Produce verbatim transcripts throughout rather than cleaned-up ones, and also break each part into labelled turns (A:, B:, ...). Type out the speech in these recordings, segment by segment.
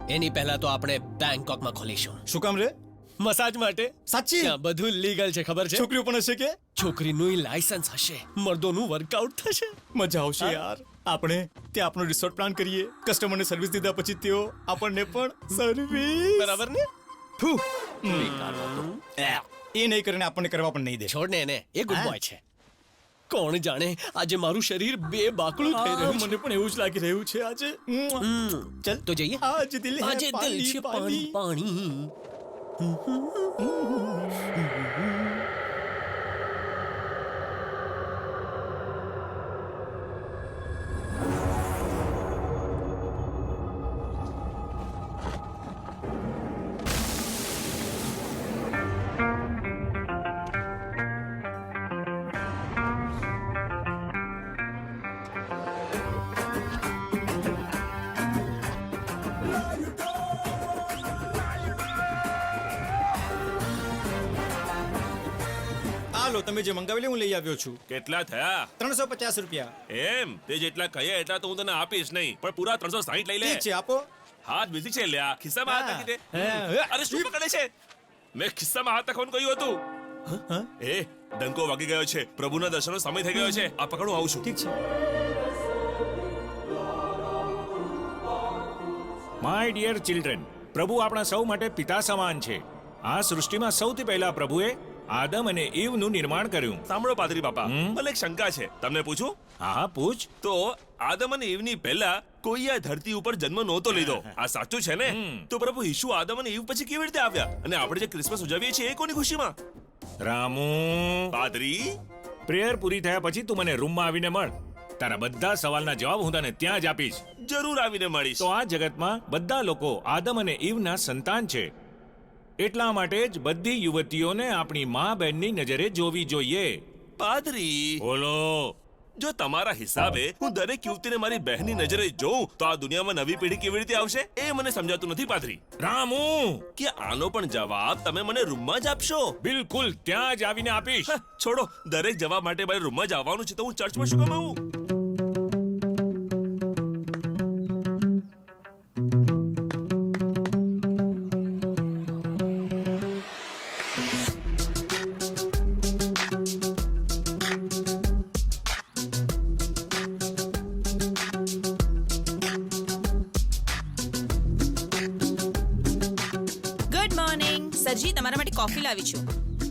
A: એની પહેલા તો આપણે બેંકોકમાં ખોલીશું.
B: શું કામ રે?
A: મસાજ માટે.
B: સાચી?
A: ત્યાં બધું લીગલ છે, ખબર છે?
B: છોકરીઓ પણ હશે કે?
A: છોકરીનું લાયસન્સ હશે, મર્દોનું વર્કઆઉટ થશે.
B: મજા આવશે યાર. આપણે ત્યાં આપણો રિસોર્ટ પ્લાન કરીએ, કસ્ટમરને સર્વિસ દીધા પછી તેઓ આપણને પણ સર્વિસ.
A: બરાબર ને?
B: ફૂ.
A: બેકાર વાતો.
B: એ નહીં કરીને આપણને કરવા પણ નહીં દે.
A: છોડ ને એને, એ ગુડ બોય છે. કોણ જાણે આજે મારું શરીર બે બાકડું થઈ
B: આ,
A: રહ્યું છે.
B: મને પણ એવું જ લાગી રહ્યું છે આજે.
A: હમ,
B: ચલ
A: તો જઈએ.
B: આજ દિલ હે
A: આજે દિલ
B: પાણી,
A: છે પાણી પાણી.
B: હાલો, તમે જે મંગાવેલી હું લઈ આવ્યો છું.
C: કેટલા થયા?
B: ત્રણસો પચાસ રૂપિયા.
C: એમ તે જેટલા કહીએ એટલા તો હું તને આપીશ નહીં, પણ પૂરા ત્રણસો સાહીઠ લઈ લે.
B: ઠીક છે, આપો.
C: હાથ બીજી છે, લ્યા ખિસ્સામાં હાથ નાખી દે.
B: હા.
C: અરે શું પકડે છે? મેં ખિસ્સામાં હાથ નાખવાનું કહ્યું હતું.
B: હા?
C: એ ડંકો વાગી ગયો છે, પ્રભુના દર્શનનો સમય થઈ ગયો છે. આ પકડું આવું છું.
B: ઠીક છે.
D: માય ડિયર ચિલ્ડ્રન, પ્રભુ આપણા સૌ માટે પિતા સમાન છે. આ સૃષ્ટિમાં સૌથી પહેલા પ્રભુએ આદમ અને ઈવનું નિર્માણ કર્યું.
C: સાંભળો પાદરી બાપા,
D: હમ?
C: મને એક શંકા છે, તમને પૂછું?
D: હા હા, પૂછ.
C: તો આદમ અને ઈવની પહેલા કોઈ આ ધરતી ઉપર જન્મ નહોતો લીધો, આ સાચું છે ને?
D: હમ.
C: તો પ્રભુ ઈસુ આદમ અને ઈવ પછી કેવી રીતે આવ્યા? અને આપણે જે ક્રિસમસ ઉજવીએ છીએ એ કોની ખુશીમાં?
D: રામુ,
C: પાદરી,
D: પ્રેયર પૂરી થયા પછી તું મને રૂમમાં આવીને મળ. તારા બધા સવાલના જવાબ હું તને ત્યાં જ આપીશ.
C: જરૂર આવીને મળીશ.
D: તો આ જગતમાં બધા લોકો આદમ અને ઈવના સંતાન છે. એટલા માટે જ બધી યુવતીઓને આપણી મા બહેનની નજરે જોવી જોઈએ.
C: પાદરી,
D: બોલો.
C: જો તમારા હિસાબે હું દરેક યુવતીને મારી બહેનની નજરે જોઉં તો આ દુનિયામાં નવી પેઢી કેવી રીતે આવશે એ મને સમજાતું નથી પાદરી.
D: રામુ,
C: કે આનો પણ જવાબ તમે મને રૂમમાં જ આપશો?
D: બિલકુલ ત્યાં જ આવીને આપીશ.
C: હા, છોડો, દરેક જવાબ માટે મારે રૂમમાં જ આવવાનું છે તો હું ચર્ચમાં શું કમાવું?
E: ગુડ મોર્નિંગ સરજી, તમારા માટે કોફી લાવી છું.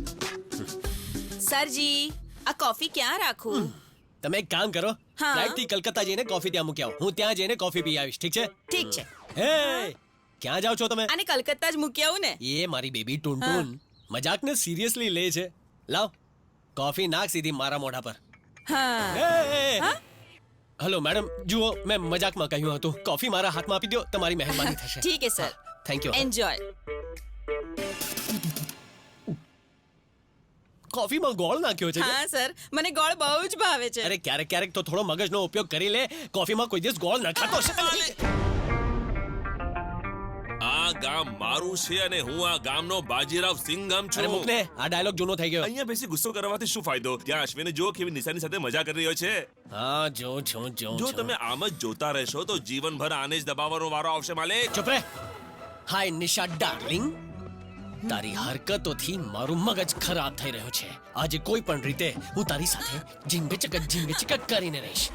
E: સરજી, આ કોફી ક્યાં રાખું?
A: તમે એક કામ કરો,
E: હા.
A: ફ્લાઇટ થી કલકત્તા જઈને કોફી ત્યાં મૂકી આવો. હું ત્યાં જઈને કોફી પી આવીશ, ઠીક છે?
E: ઠીક છે.
A: હે, ક્યાં જાઓ છો તમે?
E: આને કલકત્તા જ મૂકી આવું ને.
A: એ મારી બેબી ટુનટુન મજાકને સિરિયસલી લે છે. લાવ કોફી નાખ સીધી મારા મોઢા પર.
E: હા.
A: એ, એ, એ.
E: હા?
A: હલો મેડમ, જુઓ મેં મજાકમાં કહ્યું હતું. કોફી મારા હાથમાં આપી દો, તમારી મહેરબાની થશે.
E: ઠીક છે સર.
A: Thank you.
E: એન્જોય.
A: કોફીમાં ગોળ નાખ્યો છે કે?
E: હા સર, મને ગોળ બહુ જ ભાવે છે.
A: અરે ક્યારેક ક્યારેક તો થોડો મગજનો ઉપયોગ કરી લે. કોફીમાં કોઈ દિવસ ગોળ નખાતો હશે કે નહીં?
C: આ ગામ મારું છે અને હું આ ગામનો બાજીરાવ સિંઘમ
A: અરે
C: છું.
A: મૂકને, આ ડાયલોગ જૂનો થઈ ગયો.
C: અહીંયા બેસી ગુસ્સો કરવાથી શું ફાયદો? ત્યાં અશ્વિને જો કેવી નિશાની સાથે મજા કરી રહ્યો છે.
A: હા, જો જો જો
C: જો તમે આમ જ જોતા રહેશો તો જીવનભર આને જ દબાવવાનો વારો આવશે માલિક.
A: ચૂપ રહે. હાય નિશા ડાર્લિંગ, તારી હરકતોથી મારું મગજ ખરાબ થઈ રહ્યું છે. આજે કોઈ પણ રીતે હું તારી સાથે ઝીંગ ચકક ઝીંગ ચકક કરીને રહીશ.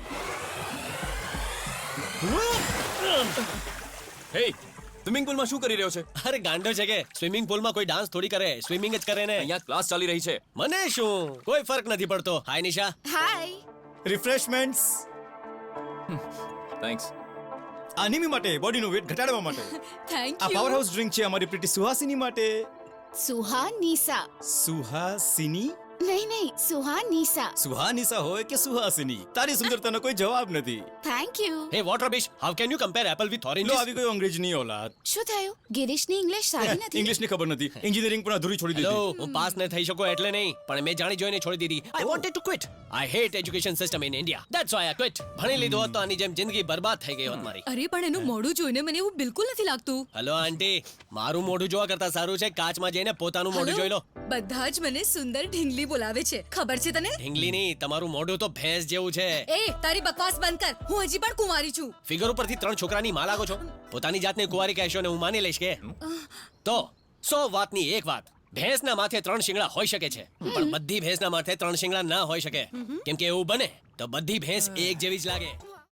F: હે, સ્વિમિંગ પુલમાં શું કરી રહ્યો છે?
A: અરે ગાંડો છે કે? સ્વિમિંગ પુલમાં કોઈ ડાન્સ થોડી કરે, સ્વિમિંગ જ કરે ને.
F: અહીંયા ક્લાસ ચાલી રહી છે.
A: મને શું, કોઈ ફરક નથી પડતો. હાય નિશા.
E: હાય.
B: રિફ્રેશમેન્ટ્સ
F: થેન્ક્સ.
B: આનિમી માટે, બોડીનો વેટ ઘટાડવા માટે.
E: થેન્ક
B: આ
E: યુ.
B: પાવર હાઉસ ડ્રિંક છે અમારી પ્રીતિ સુહાસિની માટે.
G: સુહાનીસા.
B: સુહાસિની?
G: નહીં નહીં, સુહાનીસા.
B: સુહાનિસા હોય કે સુહાસિની, તારી સુંદરતાનો કોઈ જવાબ નથી.
G: Thank you.
A: Hey what rubbish, how can you compare apple with
B: low
A: oranges?
B: આવી ગયો અંગ્રેજીની ઓલાદ.
G: શું થયું? ગિરીશની ઇંગ્લિશ સારી નથી.
B: ઇંગ્લિશની ખબર નથી, એન્જિનિયરિંગ પણ અધૂરી છોડી
A: હેલો,
B: દીધી.
A: હું પાસ ન થઈ શકો એટલે નહીં, પણ મેં જાણી જોઈને છોડી દીધી. I wanted to quit. I hate education system in India. That's why I quit. ભણી લીધું હોત તો આની જેમ જિંદગી બરબાદ થઈ ગઈ હોત મારી.
H: અરે પણ એનું મોઢું જોઈને મને એવું બિલકુલ નથી લાગતું.
A: હેલો આંટી, મારું મોઢું જોવા કરતા સારું છે કાચમાં જઈને પોતાનું મોઢું જોઈ લો.
H: બધા જ મને સુંદર ઢીંગલી બોલાવે છે ખબર છે તને
A: ઢીંગલીની તમારું મોઢું તો ભેંસ જેવું છે.
H: એ તારી બકવાસ બંધ કર હું હજી પણ કુંવારી છું.
A: ફિગર ઉપરથી ત્રણ છોકરાની માં લાગો છો. પોતાની જાતને કુંવારી કહેશો ને હું માની લઈશ કે તો સો વાતની એક વાત, ભેંસના માથે ત્રણ શિંગડા હોઈ શકે છે પણ બધી ભેંસના માથે ત્રણ શિંગડા ના હોઈ શકે. કેમ કે એવું બને તો બધી ભેંસ એક જેવી જ લાગે.